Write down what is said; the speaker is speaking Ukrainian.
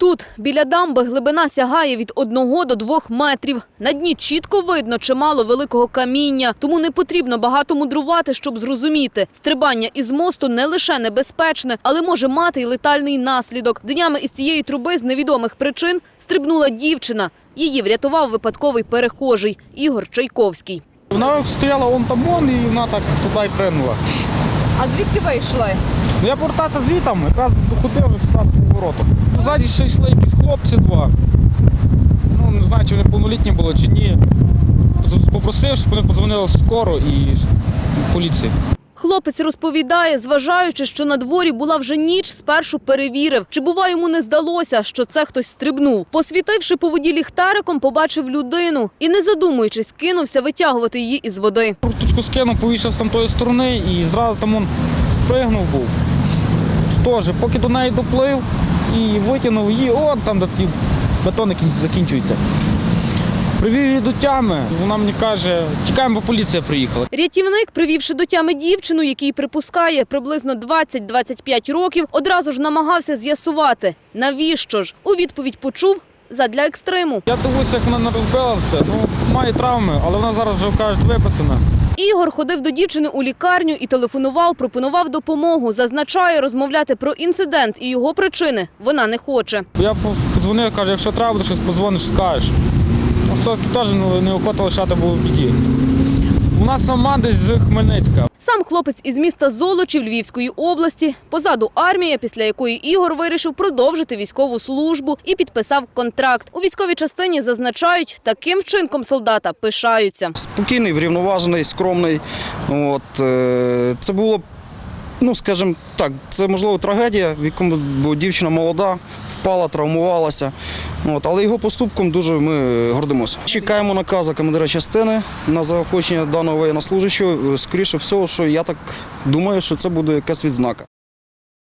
Тут, біля дамби, глибина сягає від 1 до 2 метрів. На дні чітко видно чимало великого каміння, тому не потрібно багато мудрувати, щоб зрозуміти. Стрибання із мосту не лише небезпечне, але може мати й летальний наслідок. Днями із цієї труби з невідомих причин стрибнула дівчина. Її врятував випадковий перехожий Ігор Чайковський. Вона стояла вон там і вона так туди й принула. А звідки ви йшли? Я повертався звітом, якраз доходив вже сюди поворотом. Ззаді ще йшли якісь хлопці 2. Ну, не знаю, чи вони повнолітні були, чи ні. Попросив, щоб вони подзвонили скоро і поліції. Хлопець розповідає, зважаючи, що на дворі була вже ніч, спершу перевірив, чи, бува, йому не здалося, що це хтось стрибнув. Посвітивши по воді ліхтариком, побачив людину і, не задумуючись, кинувся витягувати її із води. Курточку скинув, повішав з тамтої сторони і зразу там он спригнув був. Теж, поки до неї доплив і витягнув її, от там, де ті бетони закінчуються. Привів її до тями, вона мені каже, тікаємо, бо поліція приїхала. Рятівник, привівши до тями дівчину, який припускає приблизно 20-25 років, одразу ж намагався з'ясувати, навіщо ж. У відповідь почув – задля екстриму. Я дивлюся, як вона не розбила все, має травми, але вона зараз вже, кажуть, виписана. Ігор ходив до дівчини у лікарню і телефонував, пропонував допомогу. Зазначає, розмовляти про інцидент і його причини вона не хоче. Я подзвонив, кажу, якщо треба буде щось, подзвониш, скажеш. Все-таки теж неохота лишати було в біді. Вона сама десь з Хмельницька. Сам хлопець із міста Золочів Львівської області. Позаду армія, після якої Ігор вирішив продовжити військову службу і підписав контракт. У військовій частині зазначають, таким вчинком солдата пишаються. Спокійний, врівноважений, скромний. Це було, скажімо так, це можливо трагедія, в якому бо дівчина молода, впала, травмувалася. Але його поступком дуже ми гордимося. Чекаємо наказу командира частини на заохочення даного воєннослужащого. Скоріше всього, що я так думаю, що це буде якась відзнака.